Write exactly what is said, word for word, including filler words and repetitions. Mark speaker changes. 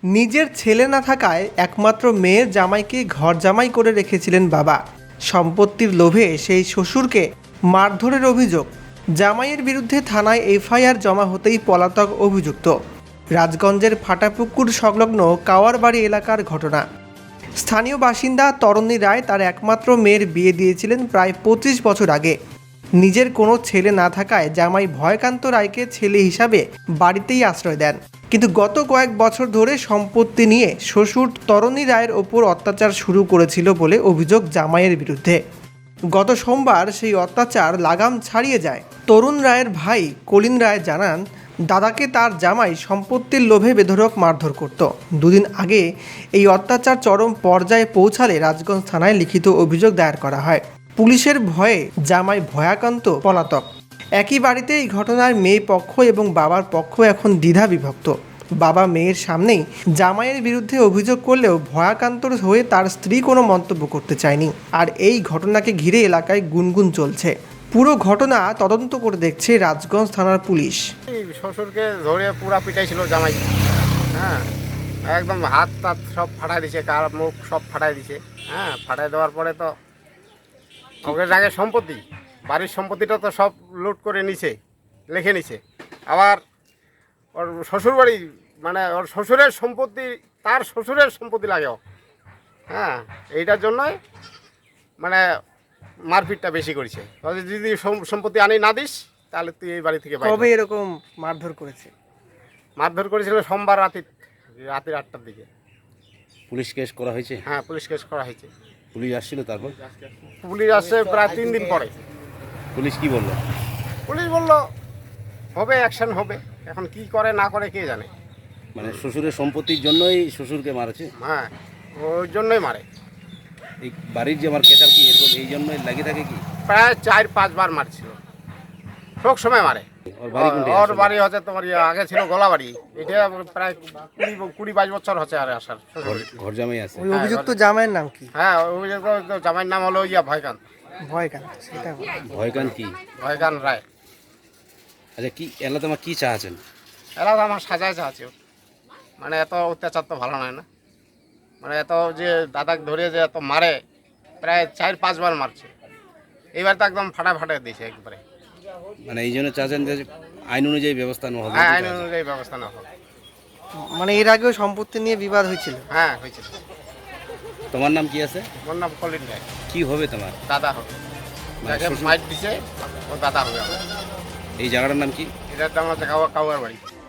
Speaker 1: নিজের ছেলে না থাকায় একমাত্র মেয়ের জামাইকে ঘর জামাই করে রেখেছিলেন বাবা। সম্পত্তির লোভে সেই শ্বশুরকে মারধরের অভিযোগ। জামাইয়ের বিরুদ্ধে থানায় এফআইআর জমা হতেই পলাতক অভিযুক্ত। রাজগঞ্জের ফাটাপুকুর সংলগ্ন কাওয়ারবাড়ি এলাকার ঘটনা। স্থানীয় বাসিন্দা তরণী রায় তার একমাত্র মেয়ের বিয়ে দিয়েছিলেন প্রায় পঁচিশ বছর আগে। নিজের কোনো ছেলে না থাকায় জামাই ভয়কান্ত রায়কে ছেলে হিসাবে বাড়িতেই আশ্রয় দেন। কিন্তু গত কয়েক বছর ধরে সম্পত্তি নিয়ে শ্বশুর তরণী রায়ের ওপর অত্যাচার শুরু করেছিল বলে অভিযোগ জামাইয়ের বিরুদ্ধে। গত সোমবার সেই অত্যাচার লাগাম ছাড়িয়ে যায়। তরুণ রায়ের ভাই কলিন রায় জানান, দাদাকে তার জামাই সম্পত্তির লোভে বেধড়ক মারধর করত। দুদিন আগে এই অত্যাচার চরম পর্যায়ে পৌঁছালে রাজগঞ্জ থানায় লিখিত অভিযোগ দায়ের করা হয়। পুলিশের ভয়ে জামাই ভয়াকান্ত পলাতক। একই বাড়িতে এই ঘটনার মেয়ে পক্ষ এবং বাবার পক্ষ এখন দ্বিধা বিভক্ত। বাবা মেয়ের সামনেই জামাইয়ের বিরুদ্ধে অভিযোগ করলেও ভয়াকান্তর হয়ে তার স্ত্রী কোনো মন্তব্য করতে চায়নি। আর এই ঘটনাকে ঘিরে এলাকায় গুনগুন চলছে। পুরো ঘটনা তদন্ত করে দেখছে রাজগঞ্জ থানার পুলিশ।
Speaker 2: শ্বশুরকে ধরে পুরা পিটাইছিল জামাই, হ্যাঁ একদম হাত টাত সব ফাটাই দিছে, কার মুখ সব ফাটাই দিছে। হ্যাঁ ফাটাই দেওয়ার পরে তো ওকে আগে সম্পত্তি, বাড়ির সম্পত্তিটা তো সব লুট করে নিছে, লিখে নিছে। আবার ওর শ্বশুর বাড়ি মানে ওর শ্বশুরের সম্পত্তি, তার শ্বশুরের সম্পত্তি লাগেও। হ্যাঁ এইটার জন্যই মানে মারপিটটা বেশি করেছে। যদি সম্পত্তি আনি না দিস তাহলে তুই এই বাড়ি থেকে বাইরে।
Speaker 1: কবে এরকম মারধর করেছে?
Speaker 2: মারধর করেছিল সোমবার রাতে, রাতের আটটার দিকে।
Speaker 3: পুলিশ কেস করা হয়েছে?
Speaker 2: হ্যাঁ পুলিশ কেস করা হয়েছে।
Speaker 3: পুলিশ আসছিল? তারপর
Speaker 2: পুলিশ আসছে প্রায় তিন দিন পরে।
Speaker 3: পুলিশ কি বললো?
Speaker 2: পুলিশ বলল হবে, অ্যাকশন হবে। এখন কি করে না করে কে জানে।
Speaker 3: মানে শ্বশুরের সম্পত্তির জন্যই শ্বশুরকে মারেছে?
Speaker 2: হ্যাঁ ওই জন্যই মারে।
Speaker 3: এই বাড়ির যে আমার কেসাল কি এরকম এই জন্যই লাগিয়ে থাকে কি?
Speaker 2: প্রায় চার পাঁচবার মারছিল, সব সময় মারে।
Speaker 3: ওর বাড়ি কোনটা?
Speaker 2: ওর বাড়ি হচ্ছে তোমার ইয়ে, আগে ছিল গোলাবাড়ি। এটা প্রায় কুড়ি কুড়ি বাইশ বছর হচ্ছে আর আসার।
Speaker 3: ঘর জামাই আছে?
Speaker 1: ওই অভিযুক্ত জামাইয়ের নাম কি?
Speaker 2: হ্যাঁ অভিযুক্ত জামাইয়ের নাম হলো ইয়া ভয়কান্ত।
Speaker 1: ভয়কান্ত, সেটা
Speaker 3: ভয়কান কি?
Speaker 2: ভয়কান্ত রায়।
Speaker 3: আচ্ছা কি এলা তোমার কি চাচ্ছেন?
Speaker 2: এরা তো আমার সাজায় আছে, মানে এত অত্যাচার তো ভালো নয় না। মানে এত যে দাদাকে ধরে যে এত মারে, প্রায় চার পাঁচবার মারছে। এইবার তো একদম ফাটা ফাটা দিয়েছে একবারে।
Speaker 3: মানে এই জন্য চাচ্ছেন যে আইন অনুযায়ী ব্যবস্থা নেওয়া হবে?
Speaker 2: হ্যাঁ আইন অনুযায়ী ব্যবস্থা নেওয়া হবে।
Speaker 1: মানে এর আগেও সম্পত্তি নিয়ে বিবাদ হয়েছিল?
Speaker 2: হ্যাঁ হয়েছিল।
Speaker 3: তোমার নাম কি আছে?
Speaker 2: ওর নাম কলিন রায়।
Speaker 3: কি হবে তোমার?
Speaker 2: দাদা হবে,
Speaker 3: মানে
Speaker 2: যাকে
Speaker 3: শ্বশুর-
Speaker 2: মাইট দিছে ও দাদা হবে আমার।
Speaker 3: এই জায়গাটার নাম কি?
Speaker 2: এটার নাম হচ্ছে কাউয়ার বাড়ি।